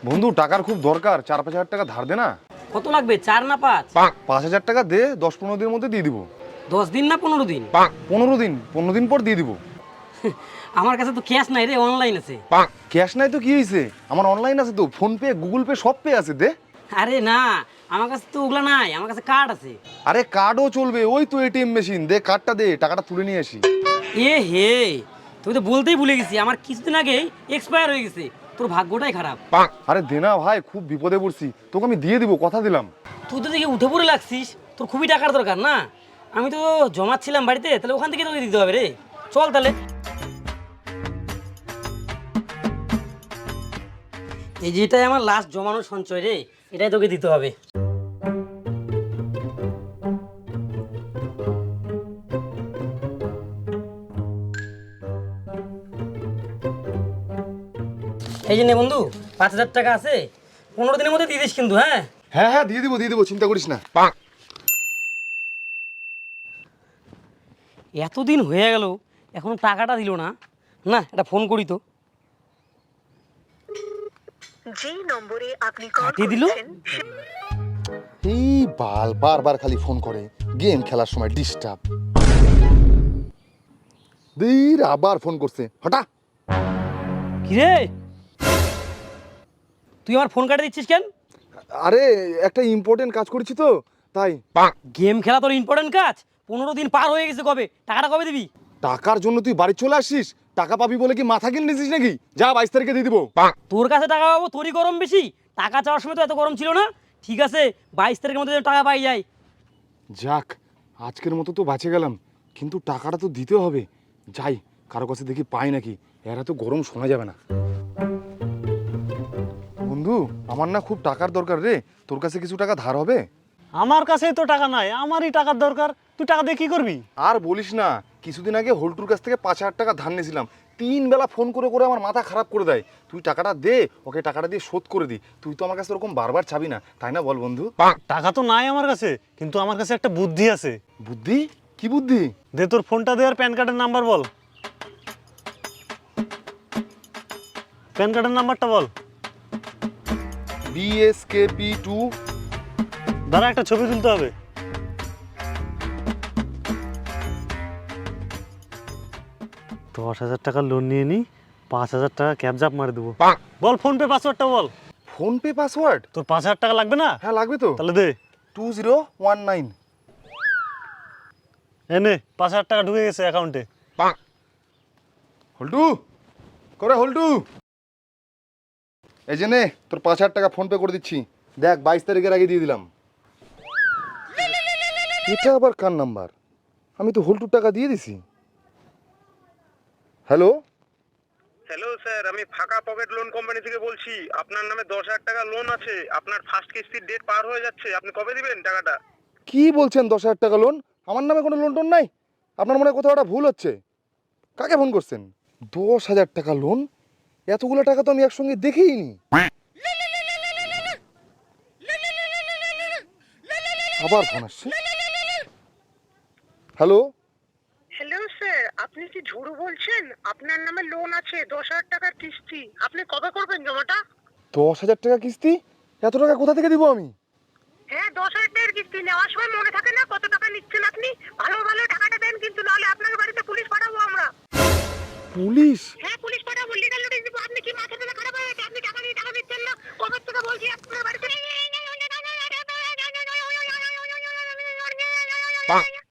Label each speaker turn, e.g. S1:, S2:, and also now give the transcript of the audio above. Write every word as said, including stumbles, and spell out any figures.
S1: বন্ধু টাকার খুব দরকার, চার পাঁচ হাজার টাকা ধার দে না।
S2: কত লাগবে, চার না পাঁচ?
S1: পাঁচ হাজার টাকা দে, দশ পনেরো দিনের মধ্যে দিয়ে দিব।
S2: দশ দিন না পনেরো দিন?
S1: পনেরো দিন, পনেরো দিন পর দিয়ে দিব।
S2: আমার কাছে তো ক্যাশ নাই রে, অনলাইন আছে।
S1: ক্যাশ নাই তো কি হয়েছে, আমার অনলাইন আছে তো, ফোন পে গুগল পে সব পে আছে, দে।
S2: আরে না, আমার কাছে তো ওগুলা নাই, আমার কাছে কার্ড আছে।
S1: আরে কার্ডও চলবে, ওই তো এটিএম মেশিন, দে কার্ডটা দে, টাকাটা তুলে নিয়ে আসি।
S2: এ হে, তুই তো বলতেই ভুলে গেছি, আমার কিছুদিন আগেই এক্সপায়ার হয়ে গেছে। তোর ভাগ্যটাই খারাপ।
S1: আরে দে না ভাই, খুব বিপদে পড়ছি, তোকে আমি দিয়ে দিব, কথা দিলাম।
S2: তুই তো দেখি উঠে পড়ে লাগছিস, তোর খুবই টাকার দরকার না? আমি তো জমাচ্ছিলাম বাড়িতে, তাহলে ওখান থেকে তোকে দিতে হবে রে। চল তাহলে। এই যেটাই আমার লাস্ট জমানো সঞ্চয় রে, এটাই তোকে দিতে হবে। এই যে নে বন্ধু, পাঁচ হাজার টাকা আছে, পনেরো দিনের মধ্যে দিয়ে দিস কিন্তু। হ্যাঁ
S1: হ্যাঁ হ্যাঁ দিয়ে দিব দিয়ে দিব, চিন্তা করিস না।
S2: এতদিন হয়ে গেল, এখনো টাকাটা দিল না। না, এটা ফোন করি তো।
S3: যে নম্বরে আপনি কল
S2: কাটিয়ে দিল।
S3: করেছেন
S1: এই বাল বারবার খালি ফোন করে, গেম খেলার সময় ডিস্টার্ব। দীর আবার ফোন করছে, হঠাৎ।
S2: কিরে, তুই আমার ফোন কাটে দিচ্ছিস কেন?
S1: আরে একটা ইম্পর্টেন্ট কাজ করেছি তো, তাই।
S2: গেম খেলা তোর ইম্পর্টেন্ট কাজ? পনেরো দিন পার হয়ে গেছে, কবে টাকাটা কবে দিবি?
S1: টাকার জন্য তুই বাড়ি চলে আসিস, টাকা পাবি বলে কি মাথা কিনে নিয়েছিস নাকি? যা বাইশ তারিখে দিয়ে দিব।
S2: তোর কাছে টাকা পাবো, তোরই গরম বেশি। টাকা চাওয়ার সময় তো এত গরম ছিল না। ঠিক আছে, বাইশ তারিখের মধ্যে যেন টাকা পাই যায়।
S1: যাক, আজকের মতো তো বাঁচে গেলাম, কিন্তু টাকাটা তো দিতে হবে। যাই, কারো কাছে দেখি পাই নাকি, এরা তো গরম শোনা যাবে না। বন্ধু, আমার না খুব টাকার দরকার রে, তোর কাছে কিছু টাকা ধার হবে?
S4: আমার কাছেই তো টাকা নাই, আমারই টাকার দরকার। তুই টাকা দিয়ে কি করবি?
S1: আর বলিস না, কিছুদিন আগে হোল্টুর কাছ থেকে পাঁচ হাজার টাকা ধার নিয়েছিলাম। তিন বেলা ফোন করে করে আমার মাথা খারাপ করে দেয়। তুই টাকাটা দে, ওকে টাকাটা দিয়ে শোধ করে দি। তুই তো আমার কাছে ওরকম বারবার চাবি না, তাই না বল বন্ধু?
S4: টাকা তো নাই আমার কাছে, কিন্তু আমার কাছে একটা বুদ্ধি আছে।
S1: বুদ্ধি? কি বুদ্ধি?
S4: দে তোর ফোনটা দে, আর প্যান কার্ডের নাম্বার বল। প্যান কার্ডের নাম্বারটা বল।
S1: B S K P two.
S4: দাঁড়া, একটা ছবি তুলতে হবে। দশ হাজার টাকা লোন নিয়ে নি, পাঁচ হাজার টাকা ক্যাব জাপ মারি দেবো। বল ফোন পে পাসওয়ার্ডটা বল।
S1: Phone pay password?
S4: তোর পাঁচ হাজার টাকা লাগবে না?
S1: হ্যাঁ লাগবে তো।
S4: তাহলে দে।
S1: Two zero one nine.
S4: এনে পাঁচ হাজার টাকা ঢুকে গেছে অ্যাকাউন্টে।
S1: হল্টু, করে হল্টু, এই যে নে তোর পাঁচ হাজার টাকা ফোন পে করে দিচ্ছি। দেখ, বাইশ তারিখের আগে দিয়ে দিলাম। এটা আবার কার নাম্বার? আমি তো হল্টুর টাকা দিয়ে দিছি। হ্যালো।
S5: হ্যালো স্যার, আমি ফাঁকা পকেট লোন কোম্পানি থেকে বলছি। আপনার নামে দশ হাজার টাকা লোন আছে, আপনার ফার্স্ট কিস্তির ডেট পার হয়ে যাচ্ছে, আপনি কবে দিবেন টাকাটা?
S1: কি বলছেন দশ হাজার টাকা লোন? আমার নামে কোনো লোন টোন নাই। আপনার মনে হয় কোথাও একটা ভুল হচ্ছে। কাকে ফোন করছেন? দশ হাজার টাকা লোন? এতগুলো টাকা তো আমি একসঙ্গে দেখেইনি। আবার ফোন আসছে। হ্যালো।
S3: হ্যালো স্যার, আপনি কি ঝুড়ু বলছেন? আপনার নামে লোন আছে দশ হাজার টাকার কিস্তি, আপনি কবে করবেন জমাটা?
S1: দশ হাজার টাকা কিস্তি? এত টাকা কোথা থেকে দিব আমি?
S3: হ্যাঁ, দশ হাজার টাকার কিস্তি নেওয়ার সময় মনে থাকে না কত টাকা নিচ্ছেন আপনি? ভালো ভালো টাকাটা দেন, কিন্তু নাহলে আপনার বাড়িতে পুলিশ পাঠাবো আমরা।
S1: পুলিশ?
S3: হ্যাঁ, পুলিশ পাঠাবো, লিগ্যাল নোটিশ দিব। আপনি কি মাথা টাথা খারাপ হয়ে গেছে? আপনি টাকা দিয়ে টাকা দিচ্ছেন না, কবে থেকে বলছি আপনার বাড়িতে।